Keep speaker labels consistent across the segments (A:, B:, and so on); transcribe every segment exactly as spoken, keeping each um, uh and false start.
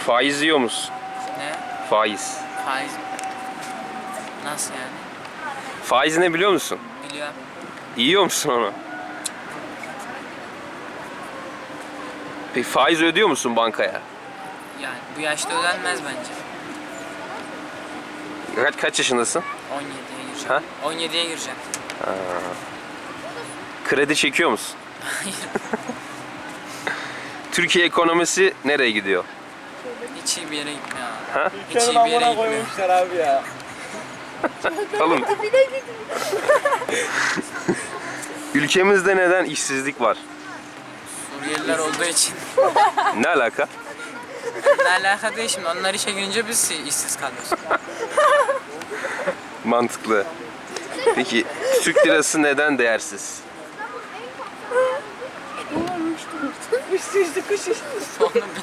A: Faiz yiyor musun?
B: Ne?
A: Faiz.
B: Faiz. Nasıl yani?
A: Faiz ne biliyor musun?
B: Biliyorum.
A: Yiyor musun onu? Peki faiz ödüyor musun bankaya?
B: Yani bu yaşta ödenmez bence.
A: Kaç, kaç yaşındasın?
B: on yediye gireceğim.
A: Ha?
B: on yediye gireceğim.
A: Kredi çekiyor musun?
B: Hayır.
A: Türkiye ekonomisi nereye gidiyor?
B: Hiç iyi bir yere gitmiyor abi.
A: Ha?
B: Hiç iyi bir yere gitmiyor.
C: koymuşlar abi ya.
A: Oğlum. Ülkemizde neden işsizlik var?
B: Suriyeliler olduğu için.
A: Ne alaka?
B: Ne alaka değil şimdi. Onlar işe girince biz işsiz kalıyoruz.
A: Mantıklı. Peki Türk lirası neden değersiz?
C: Üstü kuş işte.
B: Onu bilmiyorum.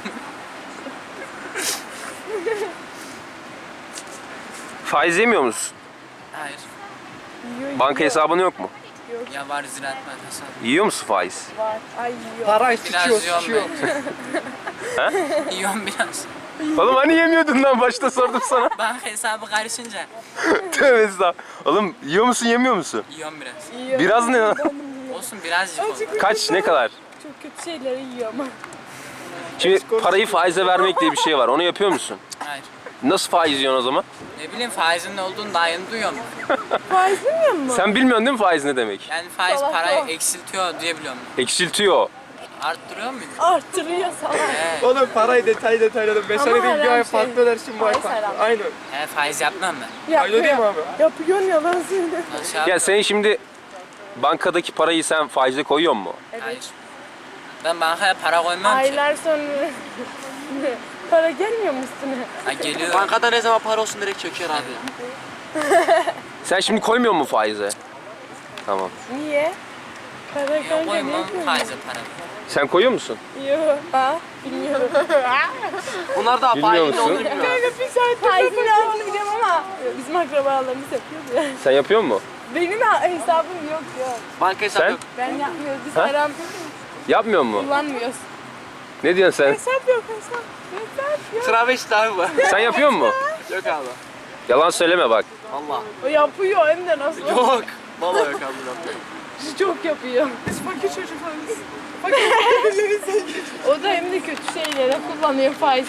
A: Faiz yemiyor musun?
B: Hayır.
A: Banka hesabın yok mu?
B: Ya var Ziraat Bankası.
A: Yiyor musun faiz?
C: Var. Ay yiyor.
D: Para
B: Biraz
D: sıçıyor
B: yiyorum
D: sıçıyor.
B: ben. Yiyorum biraz.
A: Oğlum hani yemiyordun lan, başta sordum sana.
B: Banka hesabı karışınca
A: Tövbe estağfurullah. Oğlum yiyor musun yemiyor musun?
B: yiyorum biraz.
C: Yiyor.
A: Biraz ne lan?
B: Olsun birazcık olsun.
A: Kaç, ne kadar?
C: Çok kötü şeyleri yiyor ama.
A: Şimdi parayı faize vermek diye bir şey var. Onu yapıyor musun?
B: Hayır.
A: Nasıl faiz yiyorsun o zaman?
B: Ne bileyim faizin ne olduğunu daha yeni duyuyorum.
C: Faiz yemiyor mu?
A: Sen bilmiyorsun değil mi faiz ne demek?
B: Yani faiz
C: Salak
B: parayı
C: o.
B: eksiltiyor diye biliyorum.
A: Eksiltiyor.
B: Arttırıyor muydu?
C: Arttırıyor salak.
B: He.
D: Oğlum parayı detay detayladım. Ben sana
C: Ama
D: diyeyim bir
C: haram
D: ay
C: şey.
D: farklı ödersin bu ay
C: Faiz
D: farklı.
C: haram.
D: Aynen.
B: He faiz yapmam ben.
C: Yapıyor.
D: Öyle değil mi abi?
C: Yapıyorsun yalan söyle.
B: Nasıl yap-
A: Ya sen şimdi bankadaki parayı sen faize koyuyor mu?
B: Hayır. Ben bankaya para koymam ki.
C: Aylar sonra para gelmiyor mu üstüne?
B: Ha geliyor.
D: Bankada ne zaman para olsun direkt çöker abi.
A: Sen şimdi koymuyor mu faize? Tamam.
C: Niye? Para
B: Yok
C: kanka ne
B: koymam
C: yapıyorsun?
B: faize para.
A: Sen koyuyor musun?
C: Yok. Ha? Bilmiyorum.
D: Bunlar da
A: Bilmiyor
D: faizin
A: musun?
D: olduğunu bilmiyor.
C: Kanka bir saat faizin olduğunu biliyorum ama bizim akrabalarımız yapıyor ya.
A: Sen yapıyor mu?
C: Benim ha- hesabım yok yok.
D: Banka hesabı
A: Sen?
D: yok.
C: Ben yapmıyoruz. Biz
A: Ha?
C: haram
A: Yapmıyor mu?
C: kullanmıyoruz.
A: Ne diyorsun sen?
C: Hesap yok hesap. Hesap yok.
D: Sıra beşte abi bu.
A: Sen yapıyor mu?
D: Yok abi.
A: Yalan söyleme bak.
D: Allah.
C: O yapıyor hem de nasıl?
D: Yok. Vallahi yok abi.
C: Çok yapıyor. Biz fakir çocuklarız. Fakir o da hem de kötü şeylere kullanıyor faiz.